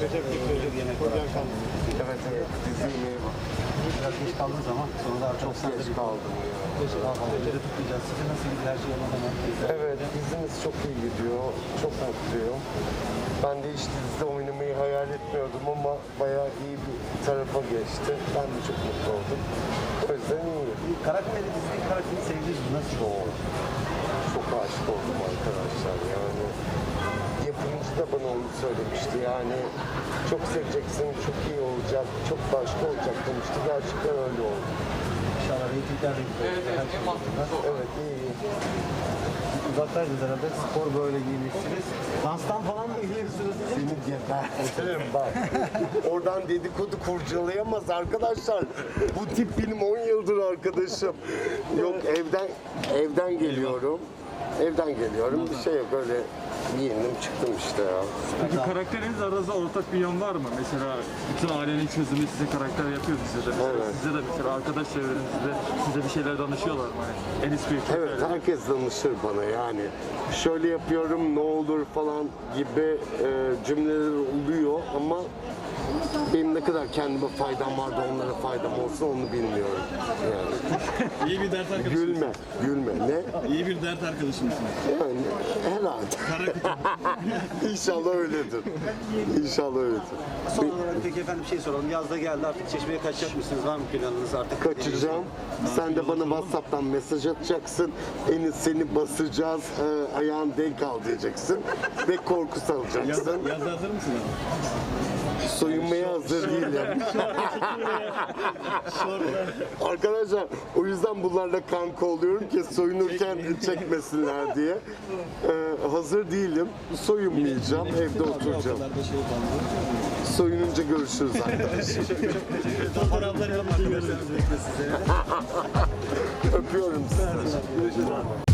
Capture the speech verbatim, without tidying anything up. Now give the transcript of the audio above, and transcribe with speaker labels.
Speaker 1: Recep Gül'ün yemek var.
Speaker 2: Evet evet, dizi yemeği var.
Speaker 1: Biraz geç kaldığınız zaman sonra da
Speaker 2: Çok geç kaldım ya.
Speaker 1: Daha fazla önce tutmayacağız. Size nasıl gidiyor her şey yolunda mı?
Speaker 2: Evet, dizimiz çok iyi gidiyor. Çok mutluyum. Ben de hiç dizide oynamayı hayal etmiyordum ama bayağı iyi bir tarafa geçti. Ben de çok mutlu oldum. O yüzden iyi.
Speaker 1: Karakteri, dizideki karakteri sevdiniz mi? Nasıl oldu?
Speaker 2: Çok aşık oldum arkadaşlar yani. Yapımcı da bana onu söylemişti yani. Çok seveceksin, çok iyi olacak, çok başka olacak demişti. Gerçekten öyle oldu.
Speaker 1: İnşallah reytingler de güzel. Evet,
Speaker 2: Evet, iyi.
Speaker 1: Uzaktaydınız herhalde. Spor böyle giymişsiniz. Danstan falan mı geliyorsunuz?
Speaker 2: Seni gebertirim bak. Oradan dedikodu kurcalayamaz arkadaşlar. Bu tip benim on yıldır arkadaşım. Yok evden evden geliyorum. Evden geliyorum. Bir şey yok öyle giyindim çıktım işte ya.
Speaker 3: Peki karakteriniz aranızda ortak bir yön var mı? Mesela bütün ailenin çözümü size karakter yapıyor size de. Mesela
Speaker 2: Evet.
Speaker 3: Size de mesela arkadaş çevrenizde size bir şeyler danışıyorlar mı? Hani Enis Bey.
Speaker 2: Evet herkes danışır bana yani. Şöyle yapıyorum ne olur falan gibi e, cümleler oluyor ama benim ne kadar kendime faydam var da onlara faydam olsun onu bilmiyorum. Yani.
Speaker 4: İyi bir dert arkadaşı.
Speaker 2: Gülme, gülme. Ne?
Speaker 4: İyi bir dert arkadaşı mısın?
Speaker 2: Yani herhalde. İnşallah öyledir. İnşallah öyledir.
Speaker 1: Son olarak peki efendim bir şey soralım. Yaz da geldi artık Çeşme'ye kaçacak mısınız? Var mı planınız artık?
Speaker 2: Kaçacağım. Sen de bana WhatsApp'tan mesaj atacaksın. Enis seni basacağız. E, ayağın denk al diyeceksin. Ve korku
Speaker 4: Yaz,
Speaker 2: salacaksın.
Speaker 4: yazda hazır mısın abi?
Speaker 2: Soyunmaya hazır değilim. Arkadaşlar o yüzden bunlarla kanka oluyorum ki soyunurken çekmesinler diye. Ee, hazır değilim. Soyunmayacağım. Evde oturacağım.
Speaker 4: Ortalarda şey kaldı.
Speaker 2: Soyununca görüşürüz arkadaşlar.
Speaker 4: Fotoğrafları alıp görüşürüz.
Speaker 2: Öpüyorum sizi.